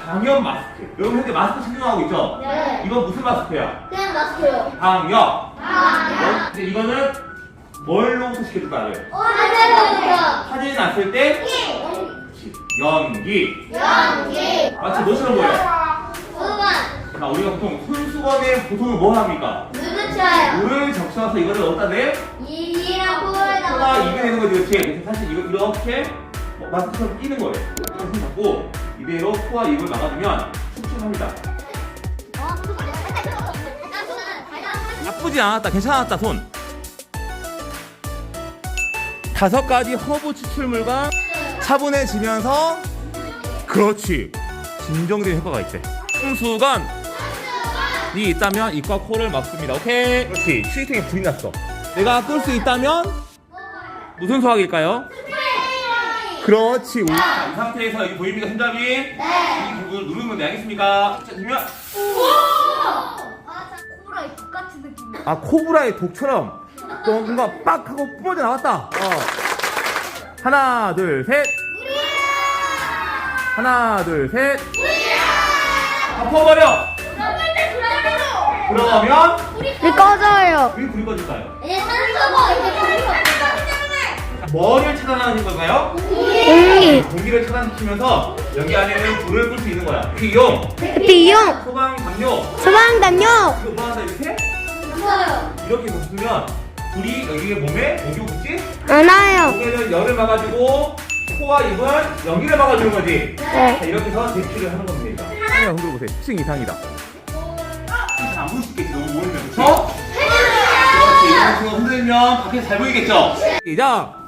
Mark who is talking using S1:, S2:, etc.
S1: 방역 마스크. 여러분 현재 마스크 착용하고 있죠?
S2: 네.
S1: 이건 무슨 마스크야?
S2: 그냥 마스크요.
S1: 방역.
S2: 아,
S1: 근데 이거는 뭘로 소식해줄까 알아요?
S2: 하늘로부터.
S1: 사진이 났을 때 연기.
S2: 연기.
S1: 마치 뭐처럼 보여?
S2: 수건.
S1: 자, 우리가 보통 손수건에 보통은 뭐 합니까?
S2: 물 붙여요.
S1: 물을 적셔서 이거를 어디다 내?
S2: 입이랑
S1: 코가
S2: 코에다가.
S1: 입에 되는 거지, 그렇지? 그래서 사실 이거 이렇게 마스크처럼 끼는 거예요. 이렇게 잡고 이대로 코와 입을 막아주면 촉촉합니다. 나쁘지 않았다, 괜찮았다, 손. 5가지 허브 추출물과 차분해지면서 그렇지, 진정된 효과가 있대. 손수건이 있다면 입과 코를 막습니다. 오케이, 그렇지. 휴지통에 불이 났어. 내가 끌 수 있다면 무슨 소화기일까요? 그렇지. 이 상태에서 여기 보입니까, 손잡이?
S2: 네.
S1: 이 부분을 누르면 돼. 알겠습니까? 자, 그러면
S2: 코브라의 독 같은 느낌.
S1: 아, 코브라의 독처럼 또 뭔가 빡 하고 뿜어져 나왔다. 하나, 둘, 셋. 하나, 둘, 셋. 다 퍼버려. 그러면
S3: 불 꺼져요.
S1: 왜 불이 꺼질까요?
S2: 이제 산소가 이제 불이 없다.
S1: 뭐를 차단하는 걸까요?
S3: 공기,
S1: 공기를 차단시키면서 여기 안에는 불을 끌 수 있는 거야. 비용,
S3: 비용,
S1: 소방, 담요.
S3: 소방담요.
S1: 이거 뭐 한다 이렇게?
S2: 무서워요.
S1: 이렇게 붙으면 불이 여기 몸에 공기가 붙지?
S3: 안아요.
S1: 여기는 열을 막아주고 코와 입은 연기를 막아주는 거지.
S3: 네.
S1: 자, 이렇게 해서 대피를 하는 겁니다. 하나 흔들어 보세요. 10층 이상이다. 안 보일 수 있겠지. 너무 모이면. 그렇죠? 그렇지. 이런 식으로 흔들면 밖에서 잘 보이겠죠? 시작.